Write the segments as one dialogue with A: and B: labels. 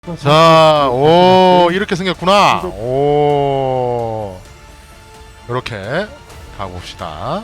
A: 자, 오, 이렇게 생겼구나. 오, 이렇게 가봅시다.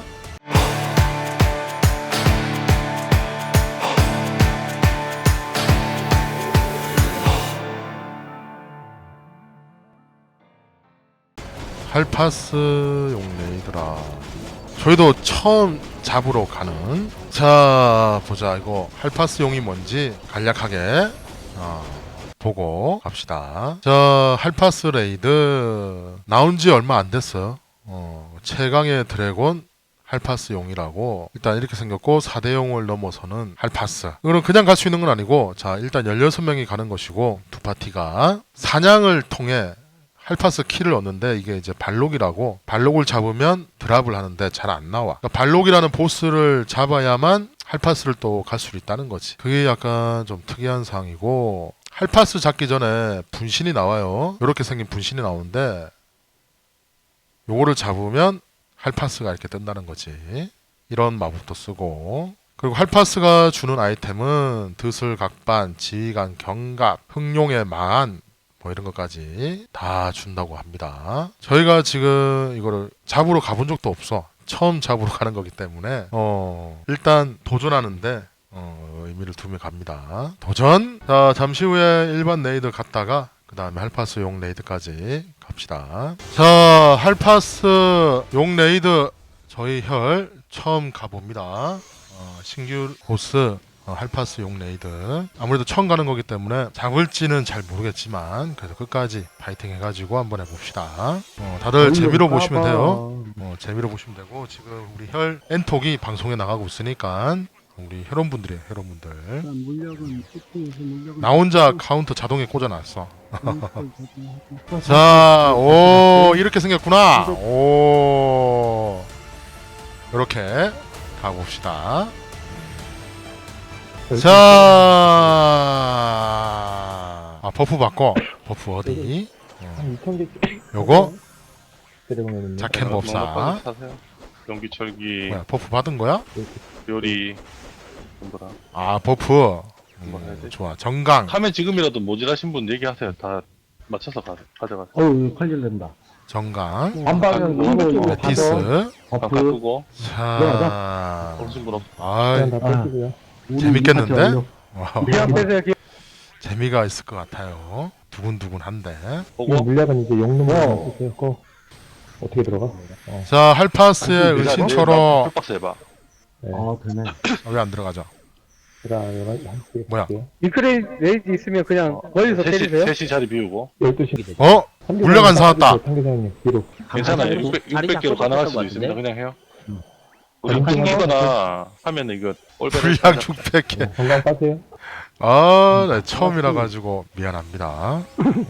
A: 할파스용 레이드라. 저희도 처음 잡으러 가는. 자, 보자. 이거 할파스용이 뭔지 간략하게 보고 갑시다. 자, 할파스 레이드 나온 지 얼마 안 됐어요. 최강의 드래곤 할파스용이라고 일단 이렇게 생겼고 4대용을 넘어서는 할파스. 이거는 그냥 갈 수 있는 건 아니고, 자, 일단 16명이 가는 것이고, 두 파티가 사냥을 통해 할파스 키를 얻는데, 이게 이제 발록이라고, 발록을 잡으면 드랍을 하는데 잘 안 나와. 그러니까 발록이라는 보스를 잡아야만 할파스를 또 갈 수 있다는 거지. 그게 약간 좀 특이한 상황이고, 할파스 잡기 전에 분신이 나와요. 이렇게 생긴 분신이 나오는데, 요거를 잡으면 할파스가 이렇게 뜬다는 거지. 이런 마법도 쓰고, 그리고 할파스가 주는 아이템은 드슬 각반, 지휘관 경갑, 흑룡의 망한, 뭐 이런 것까지 다 준다고 합니다. 저희가 지금 이거를 잡으러 가본 적도 없어. 처음 잡으러 가는 거기 때문에 일단 도전하는데 의미를 두며 갑니다. 도전! 자, 잠시 후에 일반 레이드 갔다가 그 다음에 할파스 용 레이드까지 갑시다. 자, 할파스 용 레이드 저희 혈 처음 가봅니다. 신규 보스 할파스 용 레이드. 아무래도 처음 가는 거기 때문에 잡을지는 잘 모르겠지만 그래도 끝까지 파이팅 해가지고 한번 해봅시다. 다들 재미로 보시면 돼요. 재미로 보시면 되고, 지금 우리 혈 엔톡이 방송에 나가고 있으니까 우리 혈원분들이에요. 혈원분들. 나 혼자 카운터 자동에 꽂아놨어. 자, 오, 이렇게 생겼구나. 오, 이렇게 가봅시다. 자, 버프 바꿔. 버프 어디? 요거 자켓 법사.
B: 연기철기
A: 뭐야, 버프 받은 거야?
B: 요리 뭐더라.
A: 버프. 좋아. 정강.
B: 하면 지금이라도 모질하신 분 얘기하세요. 다 맞춰서 가져가세요.
C: 어우, 칼질된다.
A: 정강.
C: 반방향 이거
A: 메티스.
B: 다
C: 버프.
B: 바꾸고
A: 자,
B: 오신 분 없.
A: 아,
C: 다 뺏기고요.
A: 재밌겠는데?
C: 물약 빼세요.
A: 재미가 있을 것 같아요. 두근두근한데.
B: 보고
C: 물약은 이제 용놈으로 쓰세요. 그거 어떻게 들어가?
A: 자, 할파스의 의신처럼
B: 풀박스 해봐.
C: 네. 되네.
A: 왜 안 들어가죠? 뭐야?
D: 미크레이 레이지 있으면 그냥 멀리서 때리세요?
B: 셋이 자리 비우고
C: 12시.
A: 물약 안 사왔다.
C: 상대장님 뒤로.
B: 괜찮아요.
E: 자리
B: 600개로
E: 잡고
B: 가능할
E: 것
B: 수도
E: 같은데?
B: 있습니다. 그냥 해요.
C: 자리
B: 우리
C: 잡고
B: 튕기거나 하면 이거 올베를
A: 물약 600개.
C: 건강 빠세요.
A: 네, 처음이라 가지고 미안합니다.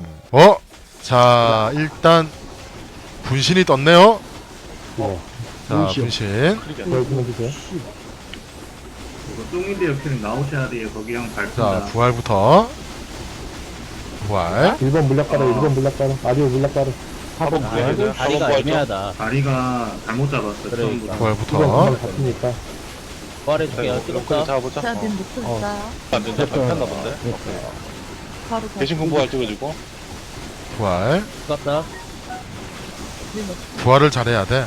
A: 자, 일단 분신이 떴네요.
C: 네.
A: 자, 분신.
C: 열심히 해주세요.
F: 똥인데 옆에는 나오셔야 돼요. 거기 형
A: 자,
F: 밟힌다.
A: 부활부터. 부활.
C: 1번 물약 가루, 1번 물약 가루, 아디오 물약 가루.
B: 4번 부활 해줘요. 4번
E: 다리가
B: 부활 좀.
E: 애매하다.
F: 다리가 잘못 잡았어.
E: 그래.
F: 처음부터.
C: 2번
A: 부활부터.
C: 금방 잡히니까.
E: 부활해줄게요.
B: 그래
E: 뜨겁다.
B: 잡아보자.
G: 다들 놓고 있어요.
B: 안 된다. 밟혔나 본데.
G: 바로
B: 대신 공부할 찍어주고.
A: 부활.
E: 뜨겁다.
A: 부활을 잘해야 돼.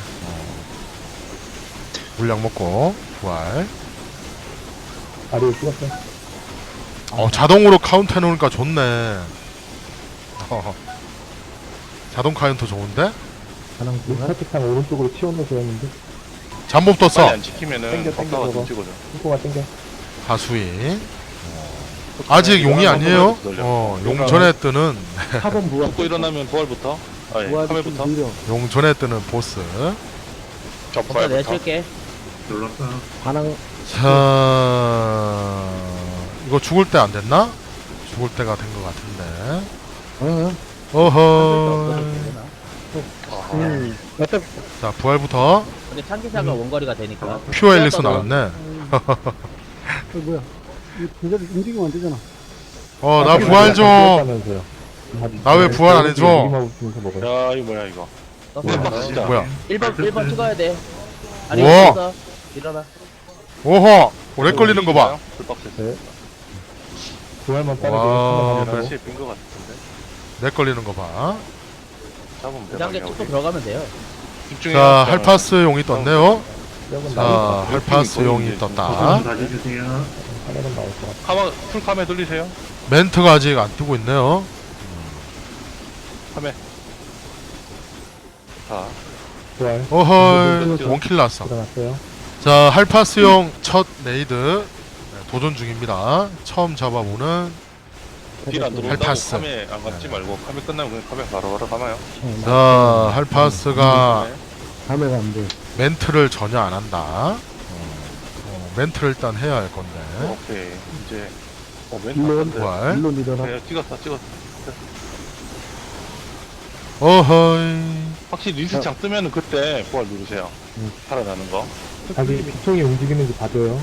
A: 물약 먹고. 부활.
C: 아디오 찍었어요.
A: 자동으로 카운트 해놓으니까 좋네. 자동 카운트 좋은데?
C: 살짝상 오른쪽으로 치워놓으셔야 했는데.
A: 잠복
B: 빨리
A: 떴어.
B: 안 찍히면은
C: 땡겨,
B: 박사가 좀
C: 저거.
B: 찍어줘.
C: 땡겨가 땡겨.
A: 하수인. 아직 용이 아니에요? 용 전에 뜨는
C: 4번 부활.
B: 죽고 일어나면 부활부터. 카메부터.
A: 용 전에 뜨는 보스.
B: 저
E: 버터 내가
B: 부활부터.
E: 칠게.
F: 놀랐어.
C: 반항.
A: 자, 이거 죽을 때 안 됐나? 죽을 때가 된 것 같은데. 어허. 자, 부활부터.
E: 근데 창기사가 원거리가 되니까.
A: 퓨어 앨리스 나왔네.
D: 뭐야? 이거 움직이면 안 되잖아.
A: 나 부활 좀. 나 왜 부활 안 해줘?
B: 야 이거 뭐야 이거. 진짜.
A: 뭐야?
E: 1번 찍어야 돼. 아니,
A: 우와.
E: 있어. 일어나.
A: 오호. 오래 걸리는 거 봐.
B: 풀박스.
C: 네. 부활만 빠르게
A: 와,
C: 한번
B: 다시 빈것 같은데.
A: 렉 걸리는 거 봐.
B: 잡으면
E: 그 단계
B: 대박이야.
E: 찍고
B: 우리.
E: 들어가면 돼요.
A: 자, 할파스용이 떴네요.
C: 뼈는
A: 자,
C: 나올
A: 할파스용이
F: 버튼
A: 떴다.
F: 다시 주세요.
C: 하나는 나올 것 같아.
B: 카마 풀카메 돌리세요.
A: 멘트가 아직 안 뜨고 있네요.
B: 카메. 자,
C: 부활
A: 어허이, 원킬 났어.
C: 일어났어요.
A: 자, 할파스용 첫 레이드 도전 중입니다. 처음 잡아보는
B: 딜 안 들어온다고
A: 할파스.
B: 카메 안 감지 말고 카메 끝나면 그냥 카메 바로 감아요.
A: 자, 할파스가
D: 감회가 안 돼.
A: 멘트를 전혀 안 한다. 멘트를 일단 해야 할 건데.
B: 오케이. 이제 멘트
D: 물론
B: 한데.
A: 부활.
D: 물론 일어나.
B: 네, 찍었어.
A: 어허이.
B: 확실히 리스창 뜨면은 그때 부활 누르세요. 살아나는 거.
C: 자기 피통이 움직이는지 봐줘요.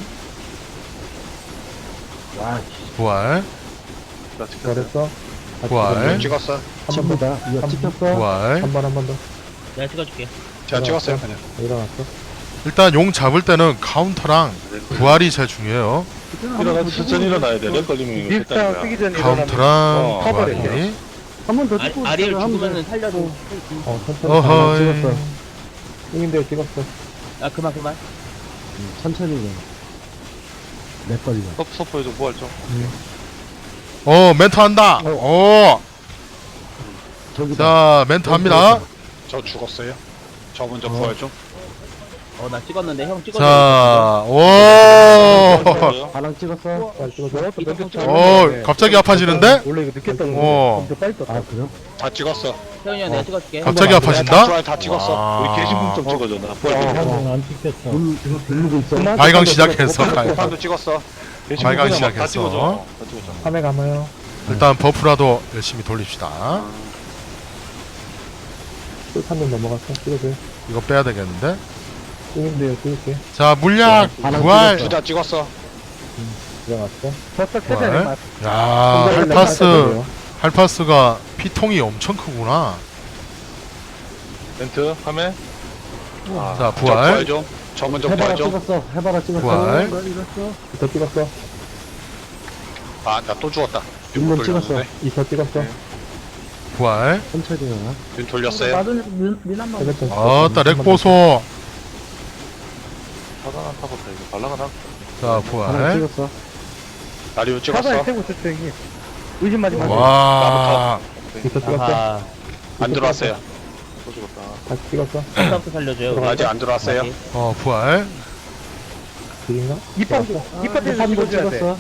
A: 부활.
B: 나 찍혔어요.
C: 부활했어.
A: 부활.
B: 찍었어.
C: 한번 더.
D: 이거 찍혔어.
A: 부활.
C: 한 번 더.
E: 내가 찍어줄게.
B: 제가 찍었어요. 그냥.
C: 일어났어.
A: 일단 용 잡을 때는 카운터랑 부활이 제일 중요해요.
B: 일어나 천천히 일어나야 돼. 렉 걸리면 이거
D: 립스타
B: 됐다는
D: 쓰기
B: 거야.
D: 전에 일어나면
A: 카운터랑
B: 커버를
A: 부활이.
D: 한 번 더 찍고
E: 아리엘
D: 하면
E: 죽으면은 살려줘.
C: 천천히.
A: 어허이.
C: 찍었어. 형인데 찍었어.
E: 아 그만.
D: 천천히 해. 몇 걸려.
B: 서포에서 부활 좀.
A: 멘트 한다.
D: 저기다.
A: 자, 멘트 합니다.
B: 저 죽었어요. 저 먼저 부활 좀.
E: 나 찍었는데 형 찍어줘.
A: 자,
D: 바람 찍었어.
A: 찍었어. 갑자기 아파지는데?
D: 원래 이거 늦게 떴는데.
A: 어.
D: 근데 빨리 떴다. 아 그래요?
B: 다 찍었어.
E: 태훈이 형 내가 찍어줄게.
A: 갑자기 아파진다?
B: 부활 다 찍었어.
A: 와.
B: 우리 게시품 좀 찍어줘. 나 부활 좀.
D: 안 찍혔어. 누르고 있어.
A: 발광 시작했어. 발광.
B: 판도 찍었어. 게시품
A: 발광
B: 그냥 막다
A: 시작했어.
B: 찍어줘. 다 찍어줘.
C: 카메 감아요.
A: 일단 버프라도 열심히 돌립시다.
C: 꿀탄면 넘어갔어. 찍어줘요.
A: 이거 빼야 되겠는데?
C: 형인데요. 찍을게.
A: 자, 물약, 부활.
B: 주자 찍었어.
C: 일어났어.
D: 저딱
A: 부활.
D: 세대 맞.
A: 야, 할파스가 피통이 엄청 크구나.
B: 멘트 카메.
A: 자, 부활.
B: 좀. 저 먼저
D: 해봐라
B: 부활 좀.
D: 찍었어. 해봐라 찍었어.
A: 부활.
C: 이터 찍었어.
B: 나 또 죽었다.
D: 물론 찍었어.
C: 이터 찍었어.
A: 부활.
D: 천천히 일어나.
B: 윤 돌렸어요.
C: 세뱃돈.
A: 아따, 렉 보소.
B: 사단한 타봤다 이거. 발라가 나.
A: 자,
D: 바람
A: 부활.
D: 찍었어.
B: 나리오
D: 사단에
B: 찍었어.
D: 세고 있었어 형님. 의심하지 마.
A: 와.
C: 이터 찍었어.
E: 아하.
B: 안 들어왔어요. 또 죽었다.
C: 다시 찍었어.
E: 스타부터 살려줘요.
B: 아직 안 들어왔어요.
A: 부활.
C: 그린가?
D: 이파트에서 찍어줘야 돼.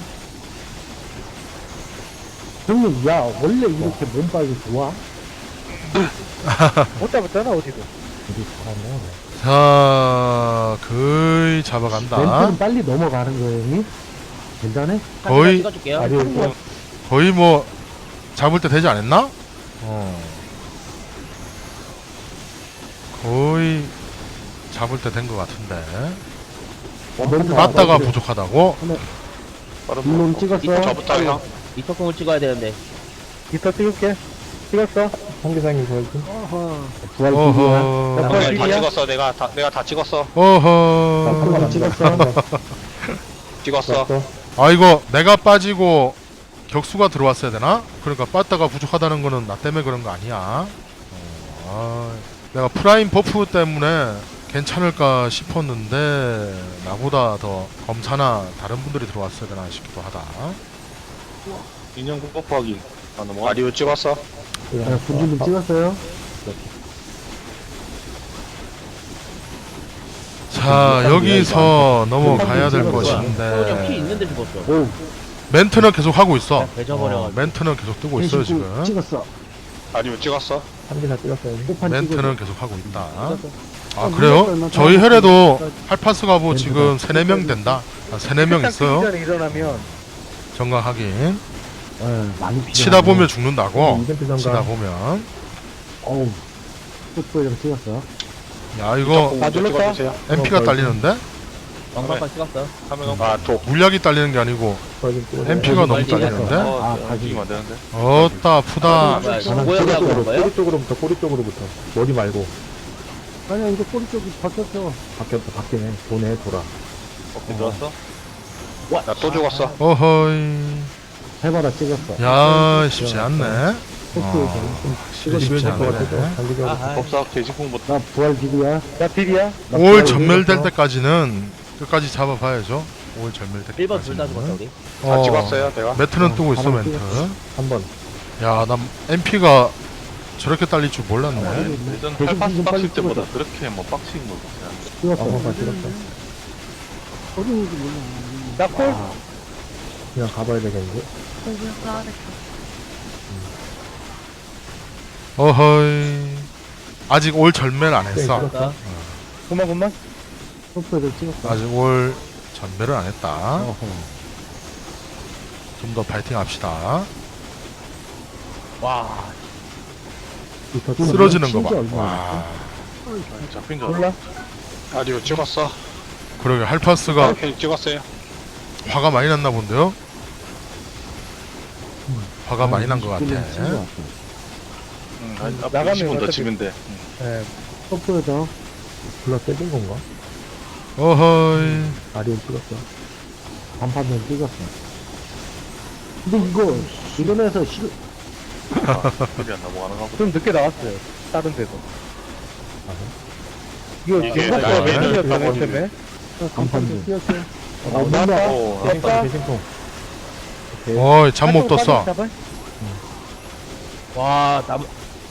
H: 형님, 야, 원래 이렇게 몸빨이 좋아?
D: 못 잡았잖아 어디도.
H: 우리 잘하네.
A: 자, 거의 잡아간다.
H: 멘트는 빨리 넘어가는 거예요, 형님? 괜찮아?
A: 거의-
E: 찍어줄게요.
C: 아리오
A: 거의 뭐 잡을 때 되지 않았나? 거의 잡을 때 된 것 같은데.
H: 멘트
A: 맞다가
H: 나가지고.
A: 부족하다고?
B: 빠른
H: 물론
B: 거.
H: 찍었어.
B: 저부터 형.
E: 이터콩을 찍어야 되는데.
D: 이터 찍을게. 찍었어.
C: 홍기상님 부활 좀.
H: 부활 기기야.
A: 어허.
B: 다
D: 일이야?
B: 찍었어. 내가 다 찍었어.
A: 어허.
C: 한번 찍었어.
B: 찍었어.
A: 아, 이거 내가 빠지고 격수가 들어왔어야 되나? 그러니까 빠따가 부족하다는 거는 나 때문에 그런 거 아니야. 내가 프라임 버프 때문에 괜찮을까 싶었는데 나보다 더 검사나 다른 분들이 들어왔어야 되나 싶기도 하다.
B: 인형 뽀뽀하기. 나리오 찍었어.
H: 군주님 찍었어요?
A: 자, 여기서 넘어가야 될
E: 태훈이 형 피
A: 것인데
E: 있는데 죽었어.
H: 오,
A: 멘트는 계속 하고 있어.
E: 배져버려.
A: 멘트는 계속 뜨고 있어요 지금.
H: 찍었어.
B: 나리오 찍었어.
C: 한개다 찍었어요.
H: 호판
A: 멘트는 계속 하고 있다. 아, 그래요? 저희 혈에도 할파스가 뭐 지금 3, 4명 된다. 3, 4명 있어요.
D: 전에 일어나면
A: 정각 확인.
H: 많이 필요하네.
A: 치다 보면 죽는다고.
C: 이벤트
A: 치다
C: 전가.
A: 보면.
H: 어우, 풋볼이랑 찍었어.
A: 야, 이거
D: 눌렀다.
A: MP가 딸리는데?
E: 왕방방 찍었어.
B: 도.
A: 물약이 딸리는 게 아니고
C: 부활 좀 찍어줘요.
A: MP가 너무
E: 말지
A: 딸리는데?
B: 움직이면 안 되는데.
A: 어따 아프다.
E: 뭐야,
H: 저는
E: 모양이라고 그런 거예요?
C: 꼬리 쪽으로부터 꼬리 쪽으로부터. 머리 말고.
H: 아니야, 이거 꼬리 쪽이 바뀌었어. 바뀌었다, 바뀌네. 도네, 돌아.
B: 오케이 들어왔어. 나 또 죽었어.
A: 어허이.
H: 해봐라 찍었어.
A: 야 쉽지 않네.
H: 포크
A: 쉽지 않네.
E: 아하.
B: 법사 개식공부터
H: 나 부활 기구야.
D: 나 딜이야.
A: 5월 전멸될 때까지는 끝까지 잡아봐야죠. 5월 전멸될
E: 1번 둘 다
A: 때까지는.
E: 죽었다 우리.
B: 다 찍었어요 내가?
A: 매트는 뜨고 있어
H: 바로
A: 멘트.
H: 한번.
A: 야, 난 MP가 저렇게 딸릴 줄 몰랐네.
B: 예전
H: 대신
B: 8파스
H: 좀 빨리
B: 빡칠 때보다 그렇게 뭐 빡친 거 같아.
H: 찍었어. 찍었어.
D: 나 콜.
H: 그냥 가봐야 되겠는데.
G: 그냥 가야겠다.
A: 어허이. 아직 올 전멸 안 했어.
E: 죽었다.
D: 그만.
H: 포크를 찍었어.
A: 아직 올 전멸을 안 했다.
H: 어허.
A: 좀 더 파이팅 합시다.
E: 와.
A: 쓰러지는 거 봐.
H: 진짜 얼마나
A: 와.
B: 잡힌 줄
D: 몰라.
I: 아리오 찍었어.
A: 그러게 할파스가
I: 괜히 찍었어요.
A: 화가 많이 났나 본데요? 화가 많이 난 것 같아.
B: 응, 앞
D: 나가면
B: 20분 더
D: 어차피-
B: 치면 돼.
D: 예.
H: 포크에서 불러 때린 건가?
A: 어허이.
H: 아리오 찍었어. 반판면 찍었어. 근데 이거 이런에서 실
B: 그게 안 넘어가는 거 보다.
D: 좀 늦게 나왔어요. 다른 데도. 이거
B: 이게
D: 생각보다
A: 나중에
D: 매진이었다 맨 때문에.
H: 간판면 찍었어.
D: 나왔다.
B: 오,
D: 됐다.
H: 대신통.
A: 어이, 잠못 떴어.
E: 와 남.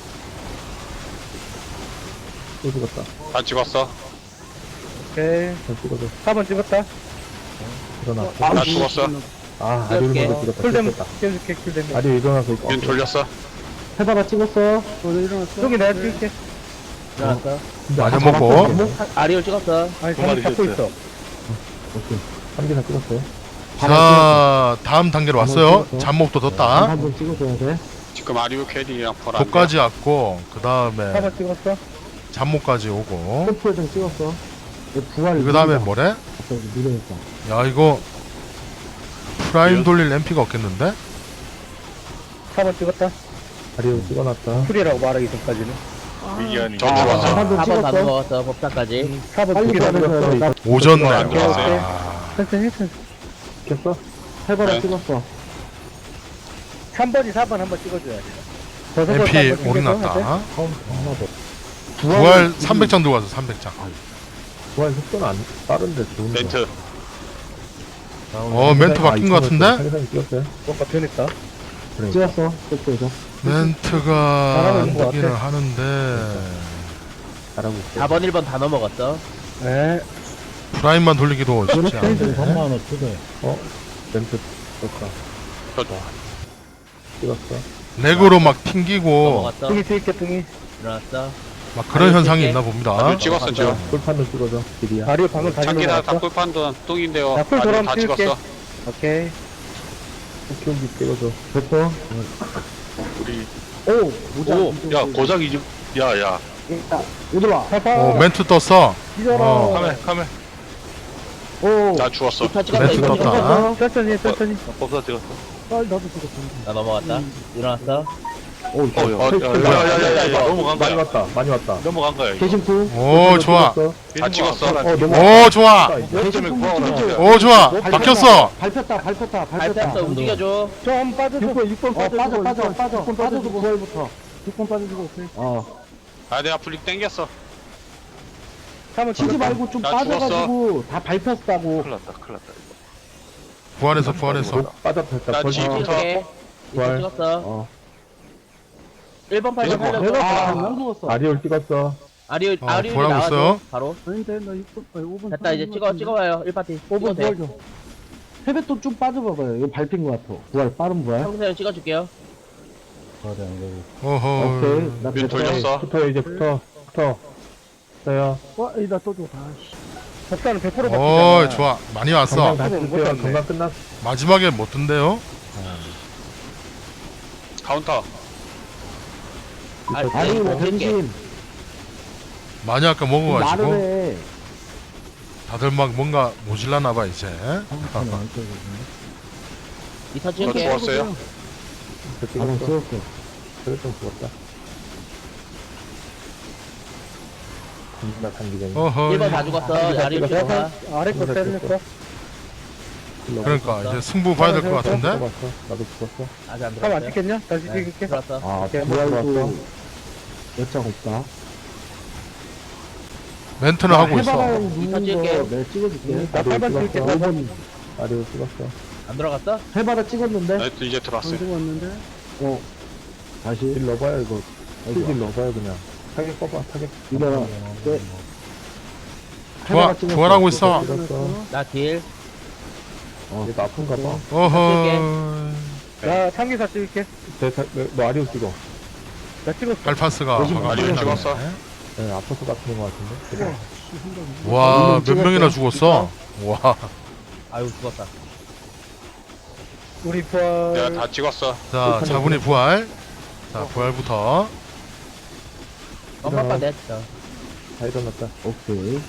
H: 또 찍었다.
I: 다 찍었어.
D: 오케이.
H: 잘 찍어줘.
D: 4번 찍었다.
H: 일어나.
I: 나 죽었어.
H: 아 아리오
E: 찍을게.
H: 먼저 찍었다.
D: 쿨댐
H: 찍었다.
D: 깨줄게 쿨댐.
H: 아리오 일어나서 있고.
I: 윤 돌렸어.
H: 해봐라 찍었어. 일어났어.
D: 여기 내가 찍을게.
E: 일어났어.
A: 많이 먹고.
E: 아리오 찍었어.
D: 아니
B: 두 마리
D: 잠을 잡고
B: 했어요.
D: 있어.
H: 오케이. 3개나 찍었어요.
A: 자, 다음 단계로 왔어요. 잠목도 떴다.
H: 한번 찍어줘야 돼.
I: 지금 아리오 캐리랑 보라.
A: 독까지 왔고, 그 다음에
D: 4번 찍었어.
A: 잠목까지 오고.
H: 템포에서 찍었어. 부활.
A: 그 다음에 뭐래?
H: 갑자기 누르니까.
A: 야, 이거 프라임 돌릴 MP가 없겠는데?
D: 4번 찍었다.
H: 아리오 찍어놨다.
D: 쿨이라고 말하기 전까지는.
B: 위기아니.
I: 전 죽었어.
H: 4번
E: 4번 다
H: 찍었어.
E: 넘어갔어 법사까지.
D: 4번
H: 빨리
D: 두개다
H: 받아서
D: 찍었어.
A: 오졌네.
I: 안 좋았어요.
A: 와.
D: 천천히.
H: 찍혔어? 해봐라
I: 네.
H: 찍었어.
D: 3번이 4번 한번 찍어줘야 돼.
A: MP 올인났다.
H: 하나 더.
A: 부활 300장 들어가서 300장.
H: 부활 속도는 안 빠른데 좋은데.
I: 멘트.
A: 멘트 바뀐 것 같은데?
H: 상상이 찍었어요?
D: 뭔가 변했다.
H: 찍었어. 속도에서.
A: 멘트가
D: 잘하고
A: 안
D: 있는 것
A: 되기는
D: 같아.
A: 하는데
H: 잘하고 있어.
E: 4번 1번 다 넘어갔어.
D: 네.
A: 프라임만 돌리기도 쉽지 않네.
H: 멘트 썼다. 찍었어.
A: 렉으로 막 튕기고
E: 넘어갔어.
D: 등이 찍을게 등이.
E: 일어났어.
A: 막 그런
E: 아니,
A: 현상이
E: 찍게.
A: 있나 봅니다.
I: 아리오 찍었어 지금.
H: 꿀판도 찍어줘. 길이야.
D: 다리를 방금 다시
I: 장기다
D: 넘어갔어.
I: 닭불판도 똥인데요.
D: 나 쿨
I: 아리오
D: 돌아오면
I: 다
D: 찍을게.
I: 찍었어.
D: 오케이.
H: 키우기 찍어줘. 됐어.
B: 우리
H: 오!
B: 오, 야 고작 이집 야야
H: 오들아.
A: 멘트 떴어.
H: 찢어라.
B: 카메
H: 오!
I: 나 죽었어.
E: 이파 찍었어.
A: 멘트
E: 이파
A: 떴다.
E: 찍었어.
D: 천천히.
B: 법사 찍었어.
H: 나도 찍었어.
E: 나 넘어갔다. 일어났어.
H: 오,
B: 야야야야 넘어간
H: 많이
B: 거야.
H: 왔다. 많이 왔다.
B: 넘어간 거야 이거.
H: 개심프.
A: 오, 좋아.
I: 다 찍었어.
A: 오, 좋아.
B: 점에 구하고
A: 오, 좋아. 바뀌었어.
H: 밟혔다.
E: 발표했어. 움직여줘.
D: 좀 빠져서.
H: 6번 빠져주고 6번 빠져주고 부활부터 6번 빠져주고
I: 아 내가 플릭 땡겼어.
D: 3번
H: 치지
D: 찍었다.
H: 말고 좀
I: 나
H: 빠져가지고 다 밟혔다고
B: 큰일 났다 이거.
A: 부활해서.
H: 빠졌다
I: 나
H: 벌써
I: 지금
E: 찍을게. 이파
H: 부활.
E: 찍었어. 1번 팔
I: 이거
E: 살려줘.
H: 아리올 찍었어
E: 아리오
A: 부활하고
E: 나와줘.
A: 있어요.
E: 바로.
H: 아닌데 나 5번
E: 됐다 이제 찍어봐요. 1파티.
H: 5번 부활 좀 세뱃돈 좀 빠져봐봐요 이거 밟힌 거 같아 부활 빠른 부활
E: 평소에 찍어줄게요.
H: 부활이 안 되고
A: 어허.
H: 오케이 나
I: 윤 돌렸어.
H: 붙어 이제 붙어요 나또 줘.
D: 법사는 100% 바뀌잖아.
A: 오, 좋아. 많이 왔어.
H: 건강 다
D: 못
H: 찍을게요
D: 잤네.
H: 건강 끝났어
A: 마지막에 못 뜬대요.
I: 카운터.
H: 아니 뭐
E: 찍을게.
H: 변신
A: 많이 아까 먹어가지고
H: 말을 해
A: 다들 막 뭔가 모질라나봐 이제.
E: 이타
I: 저
E: 찍을게.
I: 죽었어요.
H: 찍었어 그래 좀 죽었다 겁나 단기전
A: 어허.
E: 1번 다 죽었어. 아리오 찍었어.
D: 아래 거 때렸어.
A: 그러니까 이제 승부 봐야 될 것 같은데.
C: 죽었어. 나도 죽었어.
E: 아직 안
D: 참 안
E: 들어갔어요?
D: 찍겠냐? 다시
E: 네,
D: 찍을게.
E: 들어왔어.
C: 아,
D: 오케이.
H: 부활도 몇장 없다.
A: 멘트는 하고 있어.
H: 해바라용
E: 이따
H: 누른
E: 찍을게요.
H: 거 내가 찍어줄게.
D: 나 8번 찍을게. 8번.
C: 아리오 찍었어.
E: 안 들어갔어?
H: 해바라 찍었는데?
I: 나 이제 들어왔어요.
H: 찍었는데? 다시.
C: 딜 넣어봐요, 이거.
H: 아이고.
C: 딜 넣어봐요, 그냥. 타겟 꺼봐, 타겟.
H: 이거, 네.
A: 부활하고 있어.
C: 찍었어.
E: 나 딜.
C: 얘도 아픈가 봐.
A: 어허.
D: 나 참기사 찍을게.
C: 너 아리오 찍어.
D: 나 찍었어.
A: 발파스가
I: 아리오 찍었어.
C: 네, 아파서 같은 거 같은데.
A: 와, 몇 명이나 죽었어? 와.
E: 아유, 죽었다.
D: 우리 부활.
I: 내가 다 찍었어.
A: 자, 자분이 부활. 자, 부활부터.
E: 깜빡 냈어.
C: 다 일어났다.
H: 오케이.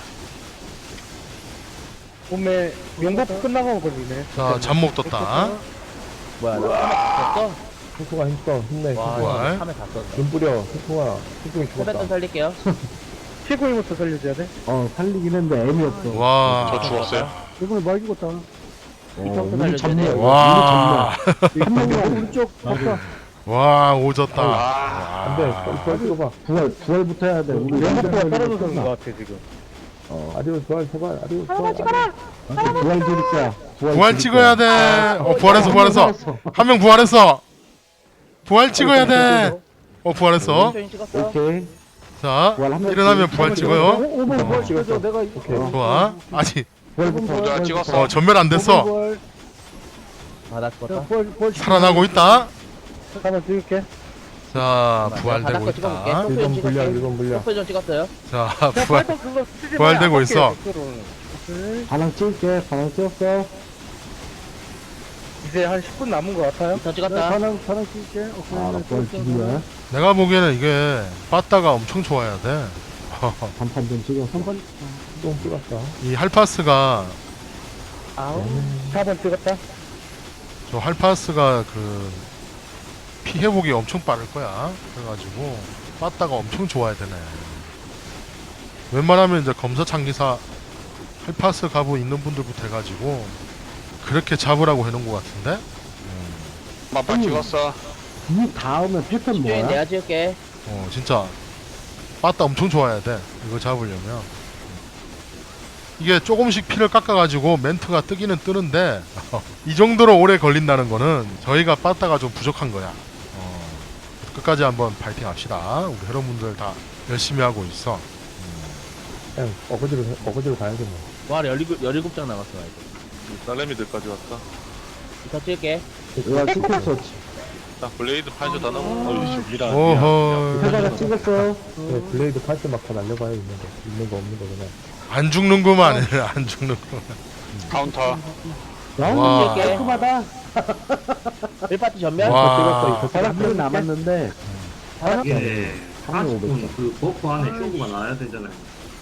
D: 몸에 용법 끝나고 걸리네.
A: 자, 잠목 떴다.
E: 뭐야, 나 죽었어?
C: 소소가 힘써, 힘내.
E: 와,
A: 부활.
E: 3에 다 썼어.
C: 눈 뿌려, 소소가. 소소이
E: 세뱃돈
C: 죽었다.
E: 살릴게요.
D: 피고일부터 살려줘야 돼.
H: 살리긴 했는데 애미 없어.
A: 와.
I: 저 죽었어요.
H: 이번에 많이 죽었다.
E: 이쪽도
H: 우리
E: 살려줘야 돼.
A: 와.
H: 한 명만 오른쪽 바꿔.
A: 와, 오졌다.
I: 아,
C: 안 돼, 빨리 찍어봐.
H: 부활부터 해야 돼. 우리
D: 용법부가
H: 부활
D: 떨어져서
H: 끝나.
D: 온것 같아, 지금.
C: 아리오 부활, 제발, 아리오 부활.
H: 부활 드릴 거야.
A: 부활 찍어야 돼. 부활했어. 한 명 부활했어. 부활 찍어야 돼. 부활했어.
E: 조인 찍었어.
H: 오케이.
A: 자,
H: 부활 한 명.
A: 일어나면 부활 찍어요.
H: 5번 부활 찍었어. 내가
C: 오케이.
A: 좋아. 아직
H: 부활부터.
I: 내가 찍었어.
A: 전멸 안 됐어.
E: 아, 나 죽었다.
A: 살아나고 있다.
D: 한번 찍을게.
A: 자,
E: 바닥
A: 부활되고
E: 거 찍어볼게.
A: 있다.
E: 소프 좀
C: 1번 불량,
E: 찍었어요.
C: 1번 불량.
E: 소프 좀 찍었어요.
A: 자,
D: 야,
A: 부활.
D: 팔뚝 그거 쓰지 마.
A: 부활되고
D: 아깝게,
A: 있어.
D: 댓글은. 오케이.
H: 반항 찍을게. 반항 찍었어.
D: 이제 한 10분 남은 것 같아요.
E: 더 찍었다.
H: 반항 찍을게. 오케이. 부활 드리야.
A: 내가 보기에는 이게 빠따가 엄청 좋아야 돼.
H: 단판 좀 찍어. 3번.
C: 똥 찍었어.
A: 이 할파스가
E: 아우.
D: 4번 찍었다.
A: 저 할파스가 그 피해복이 엄청 빠를 거야. 그래가지고 빠따가 엄청 좋아야 되네. 웬만하면 이제 검사창기사 할파스 가부 있는 분들부터 해가지고 그렇게 잡으라고 해놓은 것 같은데.
I: 맞바 찍었어.
H: 이 다음에 패턴
E: 조인
H: 뭐야?
E: 내가 찍을게.
A: 진짜 빠따 엄청 좋아야 돼. 이거 잡으려면 이게 조금씩 피를 깎아가지고 멘트가 뜨기는 뜨는데 이 정도로 오래 걸린다는 거는 저희가 빠따가 좀 부족한 거야. 끝까지 한번 파이팅 합시다. 우리 여러분들 다 열심히 하고 있어.
C: 그냥 어거지로 가야겠네.
E: 와, 17장 남았어. 이제.
B: 딸내미들까지 왔다.
E: 더 찍을게.
H: 내가 찍혔어.
B: 자, 블레이드 팔죠, 다 나무. 어이씨, 미라.
A: 오호.
H: 해바라 찍었어.
C: 블레이드 팔때 막 다 날려봐요, 있는 거 없는 거 그냥.
A: 안 죽는구만. 안 죽는구만.
I: 카운터.
A: 와.
H: 나오는 게 깔끔하다.
E: 1파티 전멸.
A: 와.
H: 한 명 남았는데.
F: 이게
H: 한 명
F: 40분 그 버프 안에 쇼부가 나와야 되잖아요.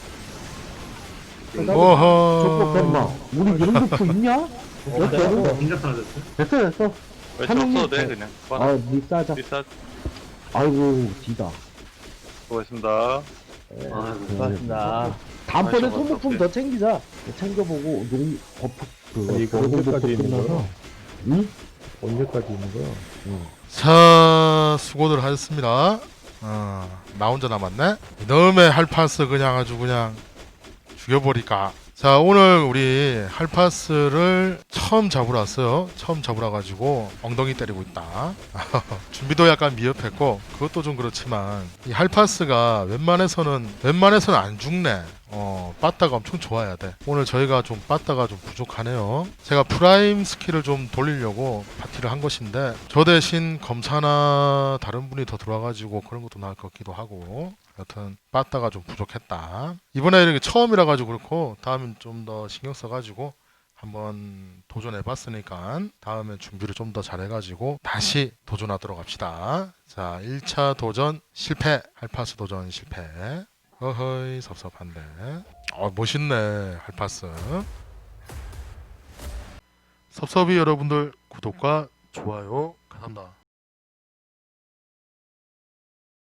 H: 족보 뺐나?
A: 오호.
H: 우리 이런 버프 있냐?
F: 어, 혼자 사라졌어?
H: 됐어.
B: 왜
H: 한
B: 줬어도
H: 명이-
B: 돼, 그냥.
H: 닉사자.
B: 리사,
H: 아이고, 디다.
B: 수고했습니다.
F: 아이고.
E: 고맙습니다.
H: 다음번에
B: 아이고,
H: 소모품
B: 어떡해.
H: 더 챙기자. 챙겨보고, 농, 버프,
C: 아니, 이거
H: 노동 버프
C: 언제까지 있는
H: 끝나서.
C: 거야?
H: 응?
C: 언제까지 있는 거야?
A: 자, 수고들 하셨습니다. 나 혼자 남았네. 이놈의 할파스 그냥 아주 그냥 죽여버릴까. 자, 오늘 우리 할파스를 처음 잡으러 왔어요. 처음 잡으러 가지고 엉덩이 때리고 있다. 준비도 약간 미흡했고 그것도 좀 그렇지만 이 할파스가 웬만해서는 안 죽네. 빠따가 엄청 좋아야 돼. 오늘 저희가 좀 빠따가 좀 부족하네요. 제가 프라임 스킬을 좀 돌리려고 파티를 한 것인데 저 대신 검사나 다른 분이 더 들어와가지고 그런 것도 나을 것 같기도 하고 여튼 빠따가 좀 부족했다. 이번에 이렇게 처음이라 가지고 그렇고 다음엔 좀 더 신경 써가지고 한번 도전해봤으니까 다음에 준비를 좀 더 잘해가지고 다시 도전하도록 합시다. 자, 1차 도전 실패. 할파스 도전 실패. 어허이 섭섭한데. 멋있네 할파스. 섭섭이 여러분들 구독과 좋아요 감사합니다.